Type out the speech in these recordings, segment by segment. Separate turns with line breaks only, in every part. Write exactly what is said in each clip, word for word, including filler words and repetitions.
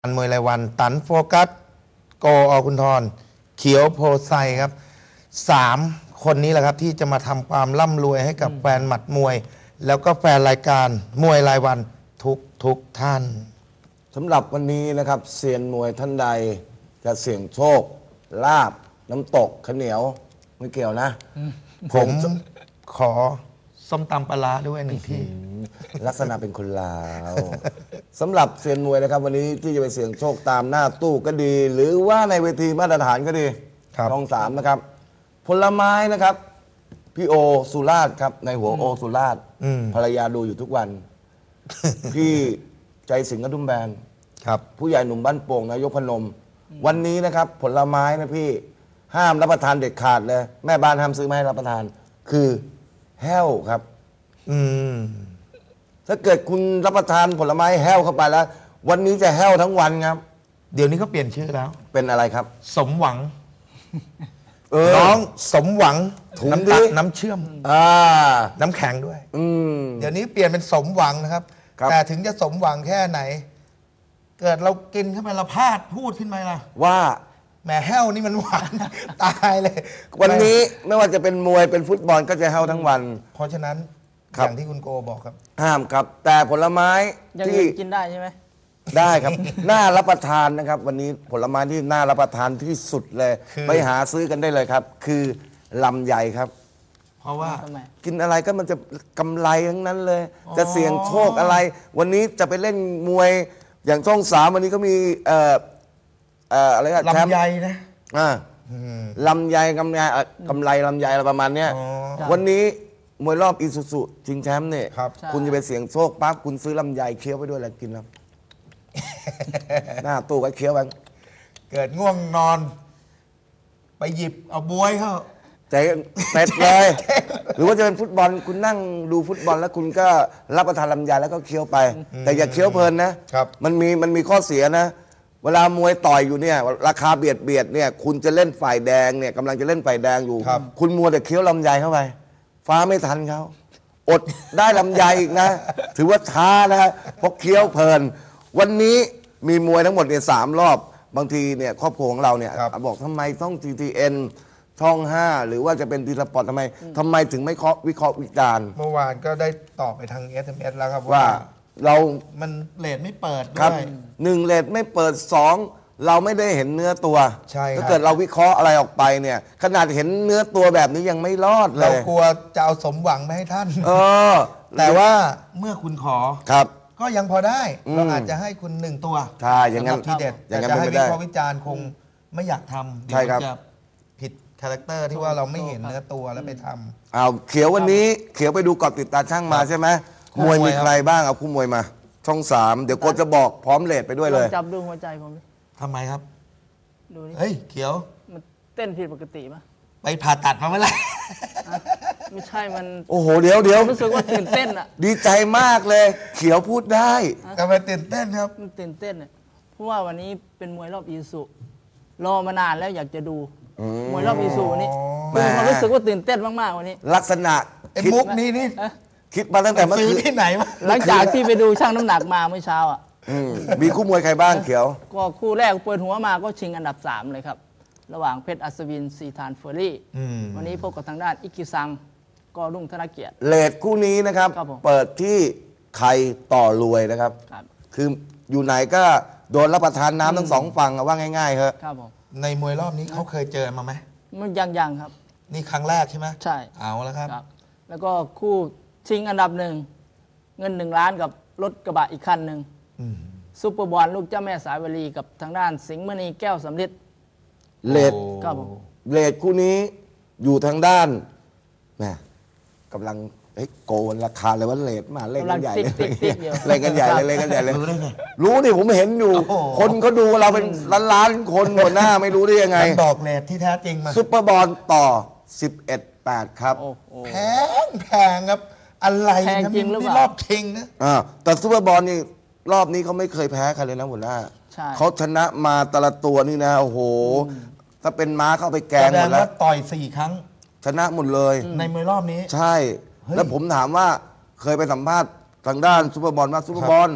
อันมวยรายวันตันโฟกัสโกอคุณทรเขียวโพไซครับสามคนนี้แหละครับที่จะมาทำความร่ำรวยให้กับแฟนหมัดมวยแล้วก็แฟนรายการมวยรายวันทุกทุกท่าน
สำหรับวันนี้นะครับเซียนมวยท่านใดจะเสี่ยงโชคลาบน้ำตกข้าวเหนียวไม่เกี่ยวนะ
ผมขอส้มตำปลาร้าด้วยหนึ่งที่
ลักษณะเป็นคนลาวสำหรับเซียนมวยนะครับวันนี้ที่จะไปเสี่ยงโชคตามหน้าตู้ก็ดี หรือว่าในเวทีมาตรฐานก็ดีช่องสามนะครับผลไม้นะครับพี่โอสุราษฎร์ครับในหัวโอสุราษฎร์ภรรยาดูอยู่ทุกวันพี่ใจสิงห์กระดุมแบน
ครับ
ผู้ใหญ่หนุ่มบ้านโป่งนายกพนมวันนี้นะครับผลไม้นะพี่ห้ามรับประทานเด็ดขาดเลยแม่บ้านห้ามซื้อมาให้รับประทานคือแห้วครับ
อืม
ถ้าเกิดคุณรับประทานผลไม้แห้วเข้าไปแล้ววันนี้จะแห้วทั้งวันครับ
เดี๋ยวนี้เขาเปลี่ยนชื่อแล้ว
เป็นอะไรครับ
สมหวังน้องสมหวังน้ำตาลน้ำเชื่อม
อ่า
น้ำแข็งด้วย
อืม
เดี๋ยวนี้เปลี่ยนเป็นสมหวังนะครับแต่ถึงจะสมหวังแค่ไหนเกิดเรากินเข้าไปเราพลาดพูดขึ้นมาล่ะ
ว่า
แหมแห้วนี่มันหวานตายเลย
วันนี้ไม่ว่าจะเป็นมวยเป็นฟุตบอลก็จะแห้วทั้งวัน
เพราะฉะนั้นอย่างที่คุณโกบอกครับ
ห้ามครับแต่ผลไม้
ที่กินได้ใช่ไหม
ได้ครับน่ารับประทานนะครับวันนี้ผลไม้ที่น่ารับประทานที่สุดเลยไปหาซื้อกันได้เลยครับคือลำไยครับ
เพราะว่า
กินอะไรก็มันจะกำไรทั้งนั้นเลยจะเสี่ยงโชคอะไรวันนี้จะไปเล่นมวยอย่างช่องสามวันนี้ก็มีเอ่อเอ่ออะไรกัน
ลำไยนะ
อ่าลำไยกำไรกำไรลำไยอะไรประมาณเนี้ยวันนี้มวยรอบอีซูซุชิงแชมป์เนี่ยคุณจะไปเสี่ยงโชคปั๊บคุณซื้อลำไยเคี้ยวไปด้วยแล้วกินแล้วหน้าตู้ก็เคี้ยวไป
เกิดง่วงนอนไปหยิบเอาบวยเข้า
ใจเต็ดเลยหรือว่าจะเป็นฟุตบอลคุณนั่งดูฟุตบอลแล้วคุณก็รับประทานลำไยแล้วก็เคี้ยวไปแต่อย่าเคี้ยวเพลินนะมันมีมันมีข้อเสียนะเวลามวยต่อยอยู่เนี่ยราคาเบียดเบียดเนี่ยคุณจะเล่นฝ่ายแดงเนี่ยกำลังจะเล่นฝ่ายแดงอยู่คุณมัวแต่เคี้ยวลำไยเข้าไปฟ้าไม่ทันเขาอดได้ลำไยอีกนะถือว่าช้านะเพราะเคี้ยวเพลินวันนี้มีมวยทั้งหมดเนี่ยสามรอบบางทีเนี่ยครอบครัวของเราเนี่ยบอกทำไมต้อง ที ที เอ็น ช่องห้าหรือว่าจะเป็นทีสปอร์ตทำไมทำไมถึงไม่เคาะวิเคราะห์วิจารณ์
เมื่อวานก็ได้ตอบไปทาง เอส เอ็ม เอส แล้วครับ
ว่าเรา
มันเลทไม่เปิด
ด้วยหนึ่งเลทไม่เปิดสองเราไม่ได้เห็นเนื้อตัว
ใช่
ถ้าเกิดเราวิเคราะห์อะไรออกไปเนี่ยขนาดเห็นเนื้อตัวแบบนี้ยังไม่รอดเลย
เรากลัวจะเอาสมหวังไม่ให้ท่าน
เออ
แต่ว่าเมื่อคุณขอ
ครับ
ก็ยังพอได้เราอาจจะให้คุณหนึ่งตัว
ใช่อย่างนั้น
ทีเด็ดแต่จะให้วิเคราะห์วิจารณ์คงไม่อยากทำเดี๋ยวจะผิดคาแรคเตอร์ที่ว่าเราไม่เห็นเนื้อตัวแล้วไปทำ
เอาเขียววันนี้เขียวไปดูกอดติดตาช่างมาใช่ไหมมวยมีใครบ้างเอาคู่มวยมาช่องสามเดี๋ยวโค้ชจะบอกพร้อมเลทไปด้วยเลย
จับดูหัวใจผม
ทำไมครับ
ดูนี่
เฮ้ยเขียว
มันเต้นผิดปกติป่ะ
ไปผ่าตัดมาเมื่อไหร่
ไม่ใช่มัน
โอ้โหเดี๋ยวเดี๋ยว
รู้สึกว่าตื่นเต้นอ่ะ
ดีใจมากเลยเขียวพูดได้
ทำไมตื่นเต้นครับ
มันตื่นเต้นเนี่ยเพราะว่าวันนี้เป็นมวยรอบอีซูรอมานานแล้วอยากจะดูมวยรอบอีซูนี้มีความรู้สึกว่าตื่นเต้นมากๆวันนี้
ลักษณะ
ไอ้มุกนี้นี่
คิดมาตั้งแต่เมื่อคืน
ที่ไหนมา
หลังจากที่ไปดูช่างน้ำหนักมาเมื่อเช้าอ่ะ
มีคู่มวยใครบ้างเขียว
ก็คู่แรกเปิดหัวมาก็ชิงอันดับสามเลยครับระหว่างเพชรอัศวินซีธานเฟอร์รี่วันนี้พบกับทางด้านอิกิซังก็รุ่งธนเกียรติ
เลทคู่นี้นะครับเปิดที่ใครต่อรวยนะครับคืออยู่ไหนก็โดนรับประทานน้ำทั้งสองฝั่งว่าง่ายๆครับ
ในมวยรอบนี้เขาเคยเจอมาไหม
มันยังยังครับ
นี่ครั้งแรกใช่ไหม
ใช่
เอาแล้วครับ
แล้วก็คู่ชิงอันดับหนึ่งเงินหนึ่งล้านกับรถกระบะอีกคันหนึ่งซุปเปอร์บอลลูกเจ้าแม่สายวลีกับทางด้านสิงห์มณีแก้วสำริด
เลทเลทคู่นี้อยู่ทางด้านแม่กำลังโกนราคาเลยว่าเลทมาเล่นกันใหญ่เลยเล่นกันใหญ่เลยเล่นกันใหญ่เลยรู้นี่ผมเห็นอยู่คนเขาดูเราเป็นล้านล้านคนหัวหน้าไม่รู้ได้ยังไง
บอกเลทที่แท้จริงมา
ซุปเปอร์บอลต่อสิบเอ็ดแปดครับ
แพงแพงครับอะไรนะนี่รอบชิงนะ
อ่าแต่ซุปเปอร์บอลนี่รอบนี้เขาไม่เคยแพ้ใครเลยนะหัวหน้าเขาชนะมาแต่ละตัวนี่นะโอ้โหถ้าเป็นม้าเข้าไปแกงหมดแล้ว
ต่อยสี่ครั้ง
ชนะหมดเลย
ในมวยรอบนี้
ใช่แล้วผมถามว่าเคยไปสัมภาษณ์ทางด้านซุปเปอร์บอลว่าซุปเปอร์บอล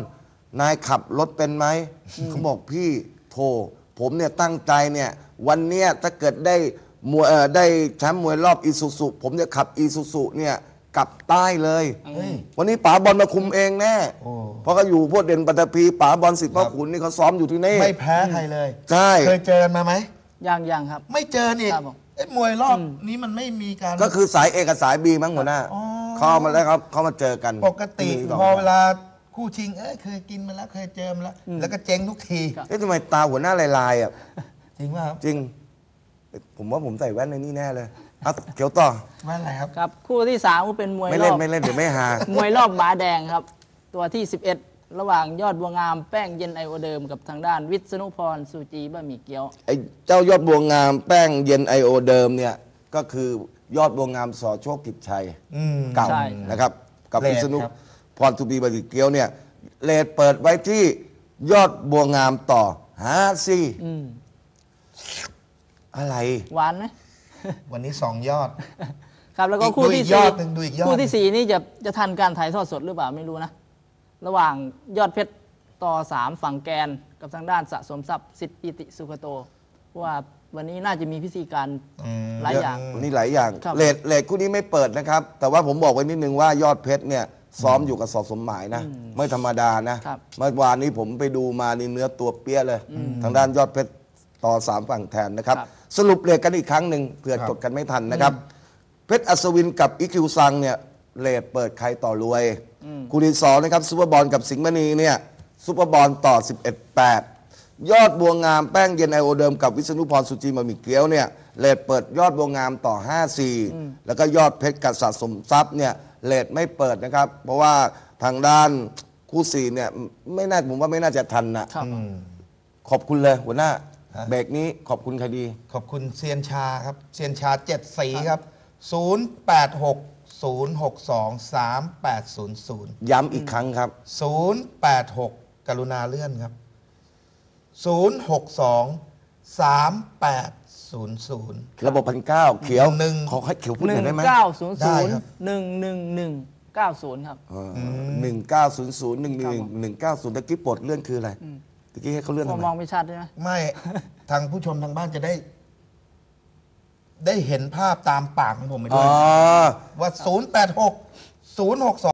นายขับรถเป็นไหมเขาบอกพี่โทรผมเนี่ยตั้งใจเนี่ยวันเนี้ยถ้าเกิดได้มวยเอ่อได้แชมป์มวยรอบอีซูซุผมจะขับอีซูซุเนี่ยกลับใต้เลย
เฮ้ย
วันนี้ป๋าบอลมาคุมเองแน่
โอ้
เพราะเขาอยู่พวกเด่นปัตตภีป๋าบอลสิทธิ์พ่อขุนนี่เขาซ้อมอยู่ที่นี่
ไม่แพ้ใครเลย
ใช่
เคยเจอกันมาไหม
ยังยังครับ
ไม่เจอนี่
ครับผม
เอ้ยมวยรอบนี้มันไม่มีการ
ก็คือสายเอกับสายบีมั้งหัวหน้า
อ๋อ
เข้ามาแล้วครับเขามาเจอกัน
ปกติ
มีสง
พอเวลาคู่ชิง เอ้ยเคยกินมาแล้วเคยเจอมาแล้ว แล้วก็เจ๊งทุกที
ครับ
เอ๊ะทำไมตาหัวหน้าลายๆอ่ะ
จริงป่ะครับ
จริง ผมว่าผมใส่แว่นในนี่แน่เลยเอาเขียวต่อ
ว่าอะไรครับ
ครับคู่ที่สามก็เป็นมวย
ไม่
ร
เล่
อน บ
ไม่เล่นเดี๋ยวไม่หา
มวยรอบหมาแดงครับ ตัวที่ สิบเอ็ด ระหว่างยอดบัวงามแป้งเย็นไอโอเดิมกับทางด้านวิษณุพรสุจีบะหมี่เกี๊ยว
ไอ้เจ้ายอดบัวงามแป้งเย็นไอโอเดิมเนี่ยก็คือยอดบัวงามสอโชคกิจชัย
อืม
เก่า
ใช่
นะครับกับ
เรท
พิษณุ
ครับ
พรทูบีบดิเกียวเนี่ยเลทเปิดไว้ที่ยอดบัวงามต่อฮาซี
อืม
อะไร
หวานไหม
วันนี้สองยอด
ครับแล้วก็
อีก
คู่
ดูอี
ที่
กย
สี่
อดหนึ่งดูอีกยอด
คู่ที่สี่นี่จะจะทันการถ่ายทอดสดหรือเปล่าไม่รู้นะ ระหว่างยอดเพชรต่อสามฝั่งแกนกับทางด้านสะสมทรัพย์สิทธิปิติสุขโตเพราะว่าวันนี้น่าจะมีพิธีการ
อืม
หลายอย่าง
วันนี้หลายอย่าง
ครับ
เลทเลทคู่นี้ไม่เปิดนะครับ แต่ว่าผมบอกไว้นิดนึงว่ายอดเพชรเนี่ยซ้อมอยู่กับสอสมหมายนะ ไม่ธรรมดานะครับ เมื่อวานนี้ผมไปดูมานี่เนื้อตัวเปี้ยเลย ทางด้านยอดเพชรต่อสามฝั่งแทนนะครับ
ครับ
สรุปเลทกันอีกครั้งหนึ่งเผื่อ
ครับ
จดกันไม่ทันนะครับ เพชรอัศวินกับอีคิวซังเนี่ยเลทเปิดใครต่อรวยคู่ที่สองนะครับซูเปอร์บอลกับสิงห์มณีเนี่ยซูเปอร์บอลต่อ สิบเอ็ดแปด ยอดบัวงามแป้งเย็นไอโอเดิมกับวิษณุพรสุจีมามิเกียวเนี่ยเลทเปิดยอดบัวงามต่อ ห้าสี่ แล้วก็ยอดเพชรกับสะสมทรัพย์เนี่ยเลทไม่เปิดนะครับ เพราะว่าทางด้านคู่สี่เนี่ยไม่น่าผมว่าไม่น่าจะทันนะครับ ขอบคุณเลยหัวหน้า
ฮะ
เบรกนี้ขอบคุณใครดี
ขอบคุณเซียนชาครับเซียนชาเจ็ดสีครับ ศูนย์ แปด หก ศูนย์ หก สอง สาม แปด ศูนย์ ศูนย์
ย้ำอีกครั้งครับ
ศูนย์ แปด หก กรุณาเลื่อนครับ ศูนย์ หก สอง สาม แปด ศูนย์ ศูนย์
ระบบพันเก้าเขียว
หนึ่ง
ขอให้เขียวพูดห
ห
น่
นึ่
อง ยได้ไหม
เก้าศูนย์
ได้
ศูนย์
ครับ
หนึ่งหนึ่งหนึ่งเก้าศูนย์ครับ
หนึ่งเก้าศูนย์ศูนย์หนึ่งหนึ่งหนึ่งเก้าศูนย์ตะกี้ปลดเลื่อนคืออะไรตะกี้ให้เขาเลื่อน
พ
ทำ
อ
ไม
มองไม่ชัดใช่ไหม
ไม่ ทางผู้ชมทางบ้านจะได้ ได้เห็นภาพตามปากของผมไป
อ๋
ด้
อ
วย ว่า ศูนย์ แปด หก ศูนย์ หก สอง